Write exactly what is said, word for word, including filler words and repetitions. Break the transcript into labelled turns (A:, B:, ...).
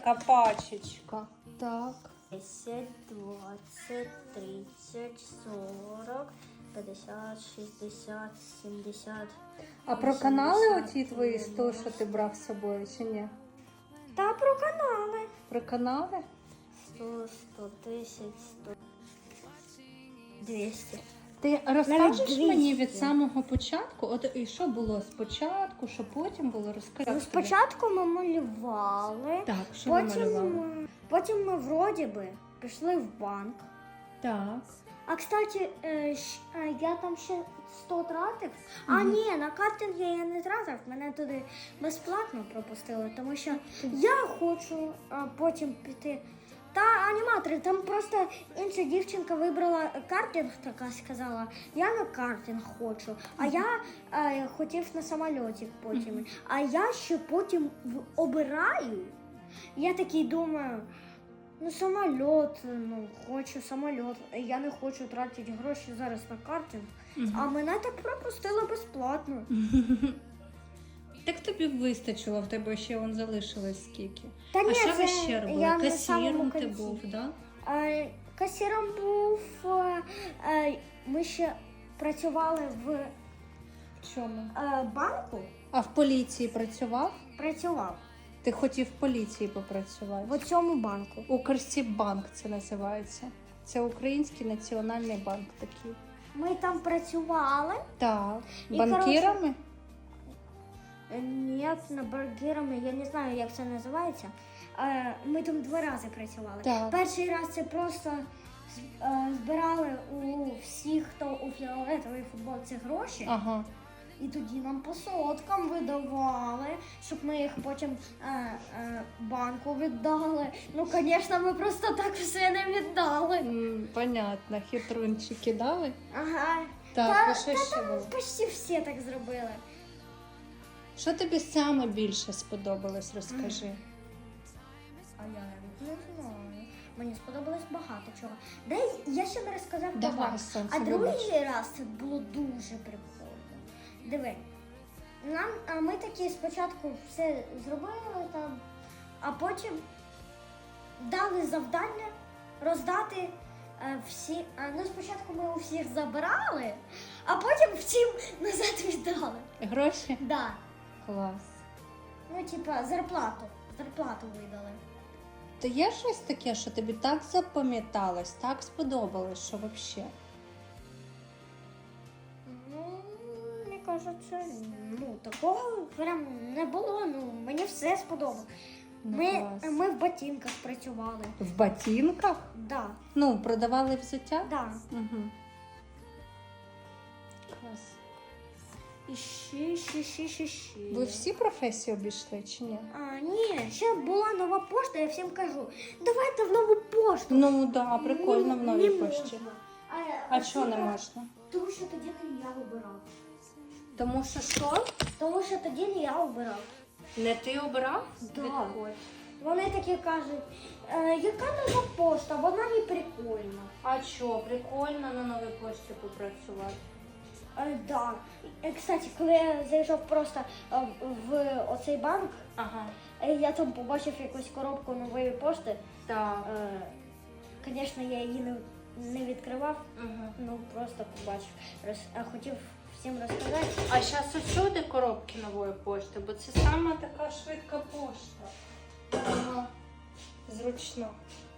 A: така пачечка. Так.
B: десять, двадцать, тридцать, сорок, п'ятдесят, шістдесят, сімдесят.
A: А про канали оті твої сто, що ти брав з собою, чи ні?
B: Та про канали.
A: Про канали?
B: сто, сто десять, сто, двісті.
A: Ти розкажеш
B: двісті.
A: мені від самого початку? От і що було спочатку, що потім було? Розкажи.
B: Ну, спочатку ми малювали,
A: Так, що ви
B: потім,
A: малювали?
B: ми- потім ми вроді би пішли в банк.
A: Так.
B: А, кстати, е, щ- е, я там ще сто тратив. А ні, на картинги я не тратив, мене туди безплатно пропустили, тому що я хочу е, потім піти. Та аніматори, там просто інша дівчинка вибрала картинг, така сказала, я на картинг хочу, а я е, хотів на самольоті потім. А я ще потім в- обираю. Я такий думаю, ну самольот, ну хочу самольот. Я не хочу тратити гроші зараз на картинг. А мене так пропустили безплатно.
A: Так тобі вистачило, в тебе ще вон залишилось скільки.
B: Та
A: а
B: ні,
A: що ви
B: це
A: ще робили?
B: я на
A: Касіром
B: самому
A: ти
B: кінці.
A: був, да?
B: Е, Касіром був. е, е, Ми ще працювали в
A: В чому?
B: е, банку.
A: А в поліції працював?
B: Працював
A: Ти хотів в поліції попрацювати?
B: в цьому банку.
A: Укрсіббанк це називається. Це Український національний банк такий.
B: Ми там працювали.
A: Так.
B: І,
A: Банкірами?
B: Е, Ні, на бургерами, я не знаю, як це називається. Е, Ми там два рази працювали.
A: Так.
B: Перший раз це просто з- е, збирали у всіх, хто у фіолетовій футболці гроші.
A: Ага.
B: І тоді нам по соткам видавали, щоб ми їх потім е, е, банку віддали. Ну, звісно, ми просто так все не віддали.
A: М, Понятно, хитрунчики дали?
B: Ага.
A: Так,
B: Та-
A: і що
B: та
A: ще
B: там
A: було?
B: почти всі так зробили.
A: Що тобі саме більше сподобалось, розкажи.
B: А я навіть не знаю. Мені сподобалось багато чого. Де я ще не розказав
A: Давай,
B: багато.
A: сонце,
B: А другий
A: вибач.
B: раз це було дуже прикольно. Диви, нам а ми такі спочатку все зробили там, а потім дали завдання роздати е, всі. А, ну спочатку ми у всіх забирали, а потім всім назад віддали.
A: Гроші?
B: Да.
A: Клас.
B: Ну, типа, зарплату. Зарплату видали.
A: То є щось таке, що тобі так запам'яталось, так сподобалось, що взагалі?
B: Ну, мені кажеться, ну такого прям не було. Ну, мені все сподобалось.
A: Ну,
B: Ми,
A: клас.
B: ми в ботинках працювали.
A: В ботинках?
B: Да,
A: Ну, продавали взуття?
B: да.
A: Угу. Клас.
B: І ще, ще, ще, ще, ще.
A: Ви всі професії обійшли чи ні?
B: А, ні, ще була нова пошта, я всім кажу, давайте в нову пошту.
A: Ну, да, прикольно в новій
B: Не
A: пошті.
B: можна.
A: А чого не можна?
B: Тому що тоді не я обирав.
A: Тому що що?
B: Тому що тоді не я обирав.
A: Не ти обрав?
B: Да.
A: Відходь.
B: Вони такі кажуть, е, яка нова пошта, вона не прикольна.
A: А що, прикольно на новій пошті попрацювати?
B: Е, да. Е, Кстати, коли я зайшов просто е, в оцей банк,
A: Ага.
B: е, я там побачив якусь коробку нової пошти.
A: Так.
B: Звісно, я її не, не відкривав,
A: Угу.
B: ну просто побачив. Роз, а хотів всім розказати.
A: А зараз усюди коробки нової пошти, бо це саме така швидка пошта. Ага. Зручно.